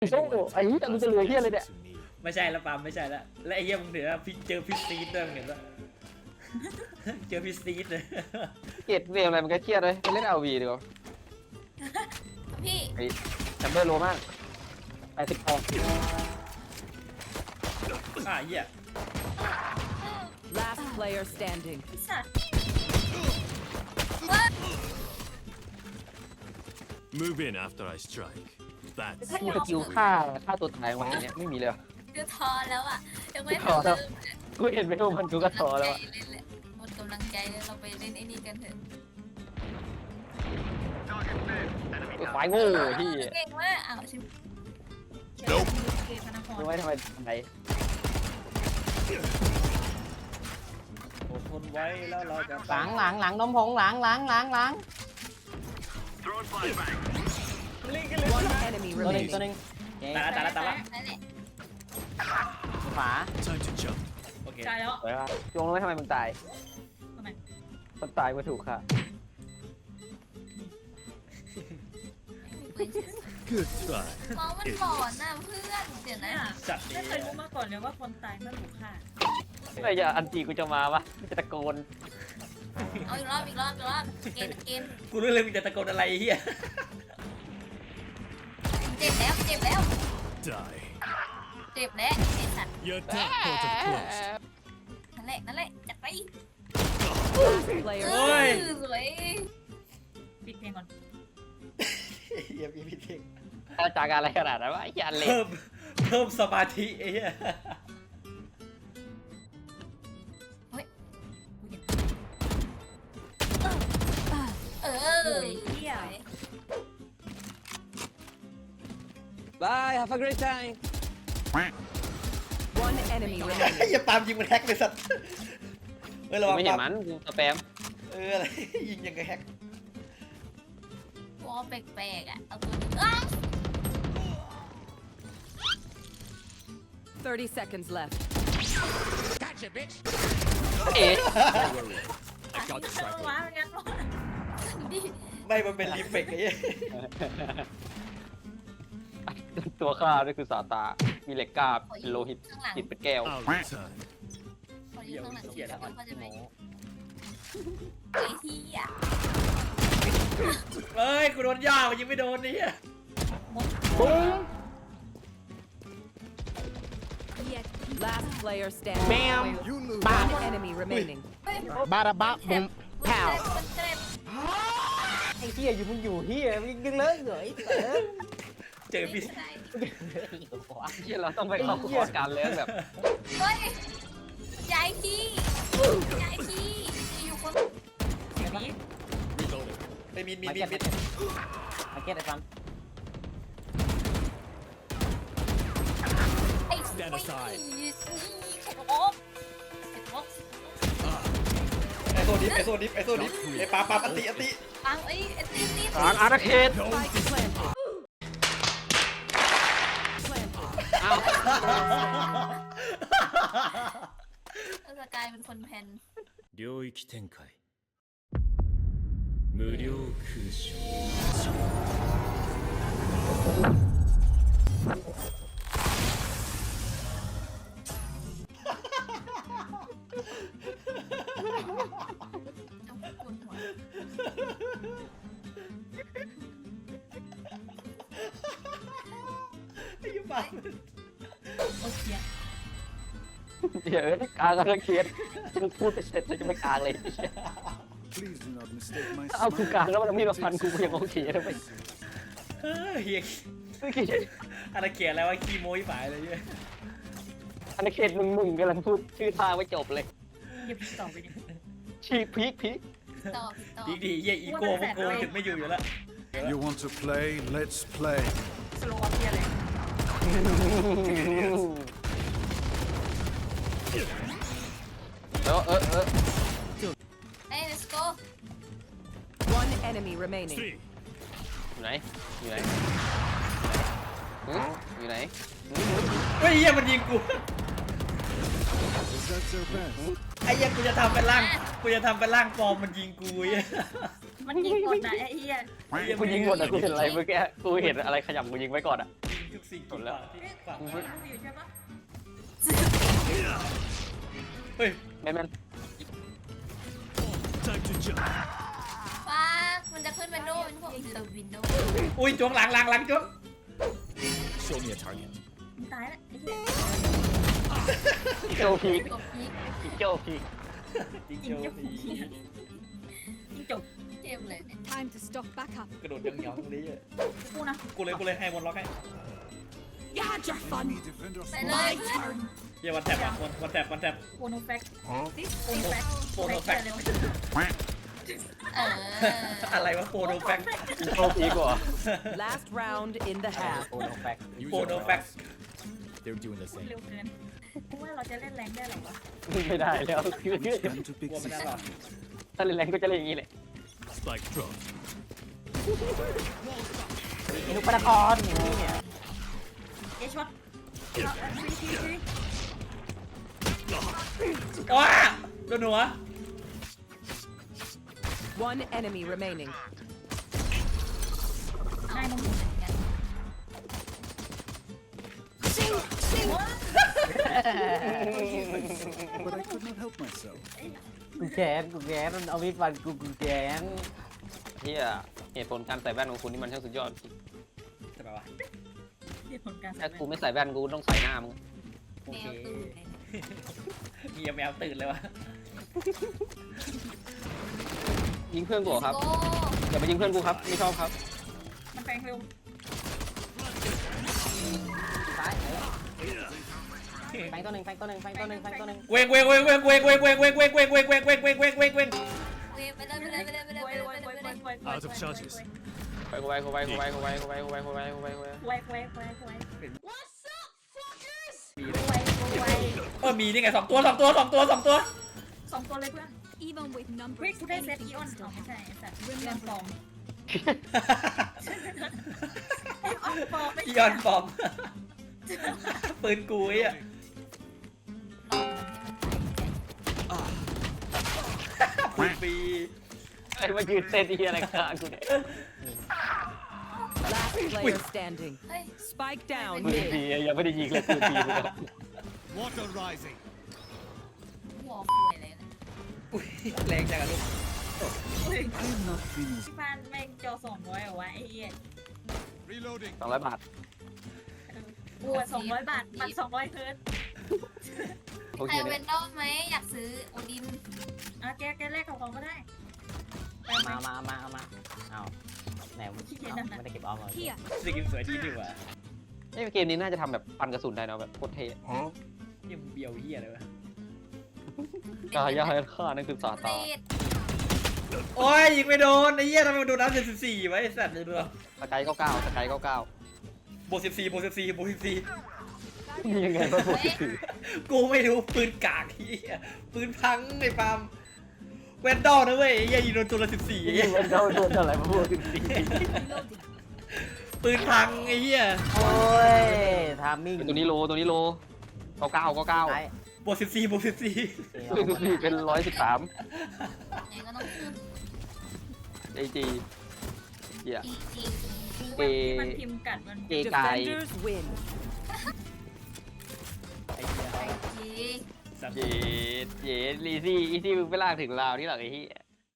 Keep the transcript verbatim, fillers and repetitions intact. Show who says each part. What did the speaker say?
Speaker 1: โซ่ไอ้เหี้ยมึงจะเหลือเหี้ยเลยเนี่ย
Speaker 2: ไม่ใช่แล้วปามไม่ใช่แล้วและไอ้เหี้ยมึงเดี๋ยวพี่เจอพี่ซีดด้วยมึงเห็นปะเจอพี่ซีดเลย
Speaker 1: เกลียดเวลอะไรมันก็เครียดเลยไปเล่นเอาวีดีกว่า
Speaker 3: พี่
Speaker 1: ไอ้แชมเบอร์โลมากแปดสิบแปด
Speaker 2: อ่ะเหี้ย
Speaker 4: Last player standing.
Speaker 3: สัตว์ว่า
Speaker 5: Move in after I strike. That's
Speaker 1: มีสกิลฆ่าฆ่าตัวตายมาอย่างเงี้ยไม่มีเลยเหรอ
Speaker 3: คือทอแล้วอ่ะยังไม่
Speaker 1: ท้อ
Speaker 3: ทำ
Speaker 1: แล้ว
Speaker 3: เริ่ม
Speaker 1: กูเห็นไม่รู้มันกูก็ท้อแล้วอะ
Speaker 3: เล่นแหละหมดกำลังใจแล้วเราไปเล่นไอ้นี่กันเถอะ
Speaker 1: ไอ้ควายโง่ที่
Speaker 3: เก่งมากอ้าวชิม
Speaker 5: Nope
Speaker 3: เกมพนักงาน
Speaker 1: รู้ไหมทำไมทำไม
Speaker 2: อดทนไว้แล้วเราจะ
Speaker 1: หลังหลังหลังนมผงหลังหลังหลังหลัง
Speaker 4: One enemy
Speaker 1: ตัวหนึ่ง
Speaker 4: remaining.
Speaker 1: ตัวหนึ่ง
Speaker 2: ตายละตายละตายละ
Speaker 3: นั่นแหละ
Speaker 1: ฝา
Speaker 5: time to jump.
Speaker 2: โอเค
Speaker 3: ตายแล้ว
Speaker 1: สวยว่ะจงรู้ไหมทำไมมึงตาย
Speaker 3: ทำไม
Speaker 1: มันตายมาถูกค่ะ
Speaker 5: Good try.
Speaker 3: มองมันหลอนน่ะเพื่อนเดี๋ยวนะ
Speaker 2: จัดดี
Speaker 6: ไม่เคยรู้มาก่อนเลยว่าคนตายเมื่อถูกฆ่า
Speaker 1: เมื่อไหร่จะอันตีกูจะมาวะจะตะโกน
Speaker 3: เอาอีกรอบอีกรอบอีกรอบเกมเกม
Speaker 2: กูรู้เลยมึงจะตะโกนอะไรไอ้เหี้ย
Speaker 3: เจ็บแล้วเจ็บแล้ว
Speaker 5: Die.
Speaker 3: เจ็บแล้วไอ้สัตว์
Speaker 5: Your tech portal closed.
Speaker 3: นั่นแหละนั่นแหละจัดไป
Speaker 4: Last player
Speaker 3: เอ
Speaker 4: standing.
Speaker 3: อสวย
Speaker 6: ปิดเพลงก่อน
Speaker 2: เหี้ยพี่พี่เท่ง
Speaker 1: อาจากอะไรขนาดนั้นวะไอ้ยันเล็ก
Speaker 2: เพิ่มเพิ่มสมาธิไอ้เหี้ย
Speaker 3: เออ
Speaker 6: โอ้ยเหี้ย
Speaker 1: บาย have a great time
Speaker 4: One enemy remaining.
Speaker 2: อย่าปามยิงมันแฮกเลยสัตว์เออระวัง
Speaker 1: ไม่เห็น
Speaker 2: ปา
Speaker 1: มั
Speaker 2: ล์
Speaker 1: นกูสแปม
Speaker 2: เอออะไรยิงยังไงแฮก
Speaker 3: วอลแปลกๆอ่ะเอาตัวนี้อ้าว
Speaker 4: Thirty seconds left.
Speaker 1: เอ๊ะ
Speaker 5: I got
Speaker 6: เอ
Speaker 5: the
Speaker 6: อ
Speaker 5: tracker.
Speaker 6: ว้าเป็นงั้นวะ
Speaker 3: ดิ
Speaker 2: ไม่มันเป็นรีเฟกไอ้เหี้ย
Speaker 1: ตัวข้าด้วยคือสาตา มีเหล็กกล้าเป็นโลหิต
Speaker 3: ข้างหลัง
Speaker 1: หิตเป็นแก้ว
Speaker 5: I'll return.
Speaker 3: ขอยื
Speaker 2: เหี้ย
Speaker 3: นข้างหลัง
Speaker 2: เหี้ยแล้ว
Speaker 3: เขาจะไหมไอ้ที่อ่ะ
Speaker 2: เอ้ยกูโดนย่ามันยิงไม่โดนนี่
Speaker 1: ปุ้ง
Speaker 4: Last player standing.
Speaker 1: Bam.
Speaker 5: You lose.
Speaker 4: One enemy remaining.
Speaker 1: บาราบะบุ้ม
Speaker 3: แถวมันเจ็บ
Speaker 1: ไอ้เฮียอยู่มึงอยู่เฮียมึงยังเลิกเหรอไอ้เต๋อ
Speaker 2: เจอพี่
Speaker 1: เฮียเราต้องไปเข้าคอร์สการเลี้ยงแบบ
Speaker 3: เฮ้ยย้ายที่ย้ายที่อยู่คน
Speaker 6: นี้
Speaker 5: Reloading.
Speaker 2: ไปมีนมีนมีนมีน
Speaker 1: มาเก็ตไอ้ฟัน
Speaker 3: ไอ้
Speaker 5: Stand aside.
Speaker 3: นี่แข็งโอ๊บแข็งโอ๊บ
Speaker 2: ไอโซดิฟไอโซดิฟไอโซดิฟไอปาปาปติอติ
Speaker 3: ปังไอ้ไอ้ตีตี
Speaker 1: ทางอาณาเขต
Speaker 4: Spike planted. Planted.
Speaker 1: อ้าว
Speaker 3: สกายเป็นคนแพน
Speaker 5: 領域展開。無料空襲。
Speaker 3: จะปวดหัว
Speaker 2: ไอ้ยี่ปา
Speaker 6: โอเค
Speaker 1: เดี๋ยวกลางอาณาเขตฉันพูดไปเสร็จฉันจะไม่กลางเลย
Speaker 7: Please do not mistake my
Speaker 1: เอากูกลาง
Speaker 7: smile.
Speaker 1: แล้วมันมีมาฟันกูก็ยังโอเคนะไป
Speaker 2: เฮ้ยเฮีย
Speaker 1: เมื่อกี้
Speaker 2: อะไรเขียนอะไรวะขี้โม้ยฝ่ายอะไรเนี่ย
Speaker 1: อาณาเขตมึงมึงกำลังพูดชื่อทางไม่จบเลย
Speaker 6: เก็บต่อไปดิ
Speaker 1: ชีพีคพีค
Speaker 3: ต่อต่อ
Speaker 2: ดีดีเฮียอีโก้พวกโกถึงไม่อยู่อยู่แล้ว
Speaker 7: You want to play? Let's play.
Speaker 6: สโลว์ออฟเทียเลย
Speaker 1: เออเออเออ
Speaker 3: เอ้ย let's go
Speaker 4: One enemy remaining.
Speaker 5: Three.
Speaker 1: อยู่ไหนอยู่ไหนหืออยู่ไหน
Speaker 2: เฮ้ยเฮียมันยิงกู
Speaker 7: Is that their best?
Speaker 2: ไอ้เฮียกูจะทำเป็นร่างกูจะทำเป็นร่างปลอมมันยิงกูเฮีย
Speaker 6: มันยิงกดนะไอ้เหี้ย
Speaker 1: กูยิงหมดอะกูเห็นอะไรเมื่อกี้กูเห็นอะไรขยำกูยิงไว้ก่อนอะ
Speaker 2: ทุกสิ่งที่ฝากที่ฝาก
Speaker 6: มึง
Speaker 2: ไว้
Speaker 6: อยู่ใช่ปะ
Speaker 2: เฮ้ย
Speaker 1: แมนแมน
Speaker 5: Time to jump.
Speaker 3: ฟ้ามันจะขึ้นวินโดว์เป็นพวกเซอร์วินโดว์
Speaker 2: อุ้ยจวงหลังหลังหลังจวง
Speaker 5: Show me a target.
Speaker 6: มึงตายแล้วไอ้เหี้ย
Speaker 1: อีโจพี
Speaker 3: กบพีก
Speaker 1: อีโจพี
Speaker 2: จริง
Speaker 6: ยิ
Speaker 2: โจ
Speaker 6: งจบ
Speaker 2: ดี
Speaker 6: ยิงจบ
Speaker 3: เจ็บเลยเนี่ย
Speaker 8: Time to stock back up.
Speaker 2: กระโดดยังเหนียวตรงนี้อะ
Speaker 6: กูนะ
Speaker 2: กูเลยกูเลยให้วนล็อกให้
Speaker 8: You had your fun.
Speaker 7: Enemy defender
Speaker 3: ไป
Speaker 7: spotted.
Speaker 3: เลยเพื่อน
Speaker 2: เฮียวันแท็บอะวันวันแท็บวันแท็บ
Speaker 6: โปโนแฟก
Speaker 8: This
Speaker 6: โปโนแฟก
Speaker 2: โปรโนแฟก
Speaker 6: เลย
Speaker 3: เออ
Speaker 2: อะไรวะโปรโนแฟก
Speaker 1: อีโจพีกว่า
Speaker 4: Last round in the half.
Speaker 1: โอ้โหแฟก
Speaker 5: Use
Speaker 2: โปร
Speaker 5: your
Speaker 2: โนแฟก
Speaker 5: eyes. They're doing the
Speaker 6: พูด
Speaker 5: same.
Speaker 6: เร็วเกินกูว่าเราจะเล่นแรงได้หรอวะ
Speaker 1: ไม่ได้แล้ว
Speaker 7: Time to
Speaker 2: กลั
Speaker 7: pick
Speaker 2: วไม่ได้
Speaker 7: this
Speaker 2: หรอ
Speaker 7: up.
Speaker 1: ถ้าเล่นแรงก็จะเล่นอย่างนี้แหละ
Speaker 5: Spike drop.
Speaker 1: นุปนครอย่างนี้เนี่ย
Speaker 6: เอช็อตฟรีฟรีฟรี
Speaker 2: ว้าโดนหัว
Speaker 4: One enemy remaining.
Speaker 6: ได้มึง
Speaker 7: But I could not help myself.
Speaker 1: กูแกนกูแกนมันเอามีดฟันกูกูแกนเฮียเหตุผลการใส่แว่นของคุณนี่มันช่างสุดยอดจริง
Speaker 2: ใช่ปะวะ
Speaker 6: เรียกผลการ
Speaker 1: ถ้ากูไม่ใส่แว่นกูต้องใส่หน้ามึง
Speaker 2: โอ
Speaker 3: แม
Speaker 2: เคว
Speaker 3: ตื่นเลย
Speaker 2: มีแมวตื่นเลยวะ
Speaker 1: ยิงเพื่อนกูเหรอครับ
Speaker 3: โก้
Speaker 1: อย่าไปยิงเพื่อนกูครับไม่ชอบครับ
Speaker 6: มันแปลงเร็ว
Speaker 1: แฟงตัวหนึ่งแฟงตัวหนึ่งแฟงตัวหนึ่งแฟงตัวหนึ่ง
Speaker 2: เวงเวงเวงเวงเวงเวงเวงเวงเวงเวงเวงเวงเวงเวงเวงเวงเวงเวง
Speaker 3: เว้ยไปเลยไปเลยไปเลยไปเลย
Speaker 6: ไว
Speaker 3: ไป
Speaker 6: ไว
Speaker 3: เลย
Speaker 6: ไว
Speaker 3: ไป
Speaker 6: ไว
Speaker 3: เลย
Speaker 6: ไว
Speaker 5: Out of charges.
Speaker 1: ไปกูไปกูไปกูไปกูไปกูไปกูไปกูไปกูไปกูไป
Speaker 6: ไวไวไวไว
Speaker 2: มีเลย
Speaker 6: ไวไว
Speaker 2: เออมีนี่ไงสองตัวสองตัวสองตัวสองตัว
Speaker 6: สองตัวเลยเพื่อน
Speaker 8: even with
Speaker 6: เฮ้ย
Speaker 8: numbers.
Speaker 6: กูได้เซต
Speaker 8: anything
Speaker 6: อีออน
Speaker 8: can
Speaker 6: อ๋อ
Speaker 8: still
Speaker 6: ไม่ใช่
Speaker 8: happen.
Speaker 6: ไอ้สัตว์อีออนปลอมอีออนปลอมไม่
Speaker 2: อี
Speaker 6: ใช่
Speaker 2: ออนฟอมปืนกูไอ้อะ ปืนฟรี
Speaker 1: ไอ้มายืนเต้นที่อะไรข้างกูเนี่ย
Speaker 4: Last player standing.
Speaker 3: เฮ้ย
Speaker 4: Spike down
Speaker 1: มือ
Speaker 4: mid.
Speaker 1: ดียังไม่ได้ยิงเลยมือดีเลย
Speaker 5: Water rising.
Speaker 3: หัวป่วยเลยนะ
Speaker 2: อุ้ยแรงจังอะลูก
Speaker 6: อุ้ย
Speaker 7: I am not finished.
Speaker 6: ที่บ้านแม่งจอสองร้อยเหรอวะไอ้เหี้ย
Speaker 5: Reloading.
Speaker 1: สองร้อยบาท
Speaker 6: กูสองร้อยบาทปันสองร้อยเฮิร์ต
Speaker 1: โอ
Speaker 3: ใค
Speaker 1: เค
Speaker 3: รเว
Speaker 1: เนี่ย
Speaker 3: นดอลไหมอยากซื้อโอดิน
Speaker 6: อ่ะแกแกแลกกับของก็ได้ไปไหม
Speaker 9: มามามาเอามาเอาแหนไม่ได้เก็บออมเลย
Speaker 8: Here.
Speaker 2: สกินสวยดีดีว่ะ
Speaker 1: ไอ้เกมนี้น่าจะทำแบบปันกระสุนได้เนาะแบบโคตรเท่
Speaker 2: ยิ่งเบียวเฮียเลยวะ
Speaker 1: กายาฆ่านั่นคือสาตา
Speaker 3: เศษ
Speaker 2: โอ้ยยิงไม่โดนไอ้เหี้ยทำไมมันโดนน้ำเจ็ดสิบสี่วะไอ้สัตว์เลยดู
Speaker 1: สกายเก้าเก้าสกายเก้าเก้า
Speaker 2: บวกสิบสี่บวกสิบสี่บวกสิบสี่
Speaker 1: ยังไงวะพวกที่ถือ
Speaker 2: กูไม่รู้ปืนกากเฮียปืนพังไอ้ปาล์มแวนดอลนะเว้ยไอ้เหี้ยยิงโดนตัวละสิบสี่ไอ้เหี้ย
Speaker 1: มันโดนโดนอะไรมาพวกที่ถือ
Speaker 8: Reloading.
Speaker 2: ปืนพังไอ้เหี้ย
Speaker 9: โอ้ยทามมิ่ง
Speaker 1: ตัวนี้โลตัวนี้โลเก้าเก้าเก้าเก้า
Speaker 9: ไอ้
Speaker 2: บวกสิบสี่บวกสิบสี่
Speaker 1: คือคือเป็นร้อยสิบสาม
Speaker 3: ยังไงก็ต้องขึ้น
Speaker 1: ไอจีเหี้ย
Speaker 3: อีจี
Speaker 1: เก
Speaker 6: ที่มันพิมพ์กัดมัน
Speaker 1: เกกาย
Speaker 4: Defenders win.
Speaker 2: ไอ้เหี้ย
Speaker 3: ไอจี
Speaker 2: สัตว์
Speaker 1: เย็ดเย็ดลีซี่อีซี่มึงไปลากถึงลาวนี่หรอไอ้เหี้ย